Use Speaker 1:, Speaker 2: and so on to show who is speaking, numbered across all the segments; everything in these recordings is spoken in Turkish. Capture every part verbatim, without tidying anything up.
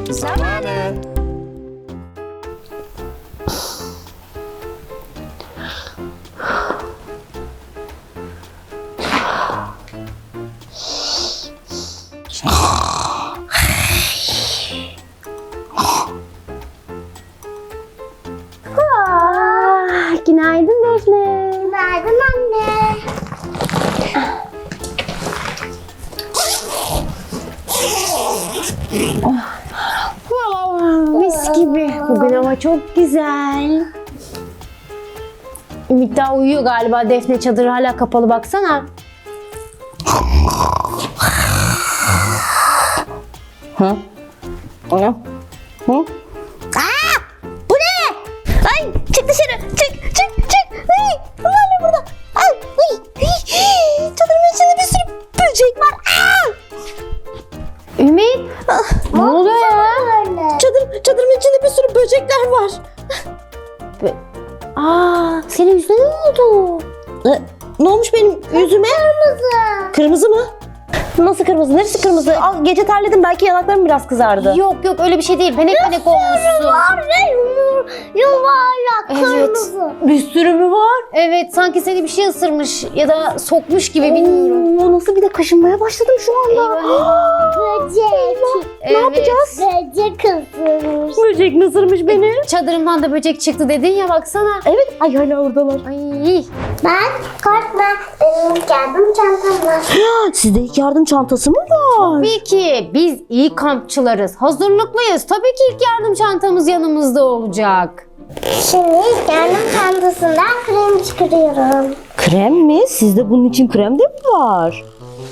Speaker 1: zamanı.
Speaker 2: Ah, günaydın Defne.
Speaker 3: Günaydın anne.
Speaker 2: Mis gibi. Bugün hava çok güzel. Ümit daha uyuyor galiba. Defne çadırı hala kapalı, baksana.
Speaker 1: Hı? Hı? Hı?
Speaker 2: Aa! Bu ne? Ay, çık dışarı. Çık, çık, çık. Ay, bunlar ne burada? Ay, ay, ay. Çadırın içinde bir sürü böcek var. Aa! Ümit, ah, ne oluyor ya? Çadır, çadırın içinde bir sürü böcekler var. Bö- Aa, senin yüzüne ne oldu?
Speaker 1: E, ne olmuş benim yüzüme?
Speaker 3: Kırmızı.
Speaker 1: Kırmızı mı? Nasıl kırmızı? Neresi kırmızı? Al, gece terledim, belki yanaklarım biraz kızardı.
Speaker 2: Yok yok, öyle bir şey değil. Panik panik olmuşsun.
Speaker 3: Var ve yumur, yuvarlak
Speaker 2: Evet.
Speaker 3: kırmızı.
Speaker 1: Bir sürü mü var?
Speaker 2: Evet, sanki seni bir şey ısırmış ya da sokmuş gibi, bilmiyorum.
Speaker 1: Oo, nasıl bir de kaşınmaya başladım şu anda.
Speaker 2: Eyvah, eyvah.
Speaker 3: Böcek.
Speaker 2: Evet.
Speaker 1: Ne yapacağız?
Speaker 3: Böcek ısırmış.
Speaker 1: Böcek mi ısırmış beni?
Speaker 2: Çadırımdan da böcek çıktı dedin ya, baksana.
Speaker 1: Evet, ay hala oradalar.
Speaker 2: Ay.
Speaker 3: Ben korkma. Benim yardım çantam var.
Speaker 1: Sizde ilk yardım çantası mı var?
Speaker 2: Tabii ki biz iyi kampçılarız. Hazırlıklıyız. Tabii ki ilk yardım çantamız yanımızda olacak.
Speaker 3: Şimdi yardım çantasından krem çıkarıyorum.
Speaker 1: Krem mi? Sizde bunun için krem de mi var?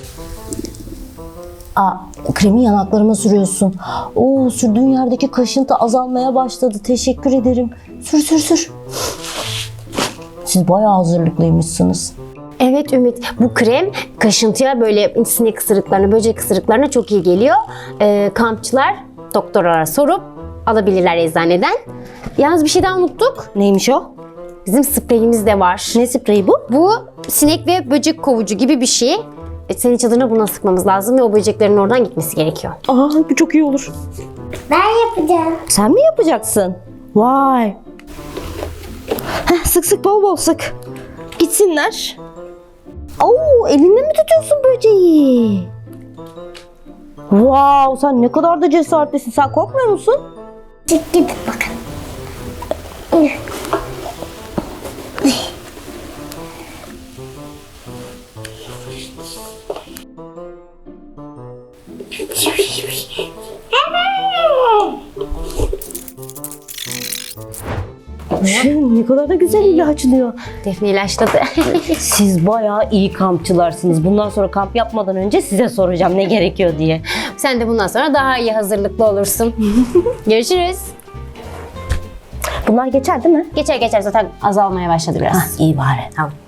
Speaker 1: Aa, kremi yanaklarıma sürüyorsun. Oo, sürdüğün yerdeki kaşıntı azalmaya başladı. Teşekkür ederim. Sür sür sür. Siz bayağı hazırlıklıymışsınız.
Speaker 2: Evet Ümit, bu krem kaşıntıya, böyle sinek ısırıklarına, böcek ısırıklarına çok iyi geliyor. Ee, kampçılar doktorlara sorup alabilirler eczaneden. Yalnız bir şey daha unuttuk.
Speaker 1: Neymiş o?
Speaker 2: Bizim spreyimiz de var.
Speaker 1: Ne spreyi bu?
Speaker 2: Bu sinek ve böcek kovucu gibi bir şey. E, senin çadırına buna sıkmamız lazım ve o böceklerin oradan gitmesi gerekiyor.
Speaker 1: Aa, bu çok iyi olur.
Speaker 3: Ben yapacağım.
Speaker 1: Sen mi yapacaksın? Vay. Heh, sık sık, bol bol sık. Gitsinler. Oo, elinde mi tutuyorsun böceği? Wow, sen ne kadar da cesaretlisin. Sen korkmuyor musun?
Speaker 3: Çık gidin bakın.
Speaker 1: Ne kadar da güzel ilaçlıyor.
Speaker 2: Defne ilaçladı.
Speaker 1: Siz bayağı iyi kampçılarsınız. Bundan sonra kamp yapmadan önce size soracağım ne gerekiyor diye.
Speaker 2: Sen de bundan sonra daha iyi hazırlıklı olursun. Görüşürüz.
Speaker 1: Bunlar geçer değil mi?
Speaker 2: Geçer geçer, zaten azalmaya başladı biraz.
Speaker 1: İyi bari.
Speaker 2: Tamam.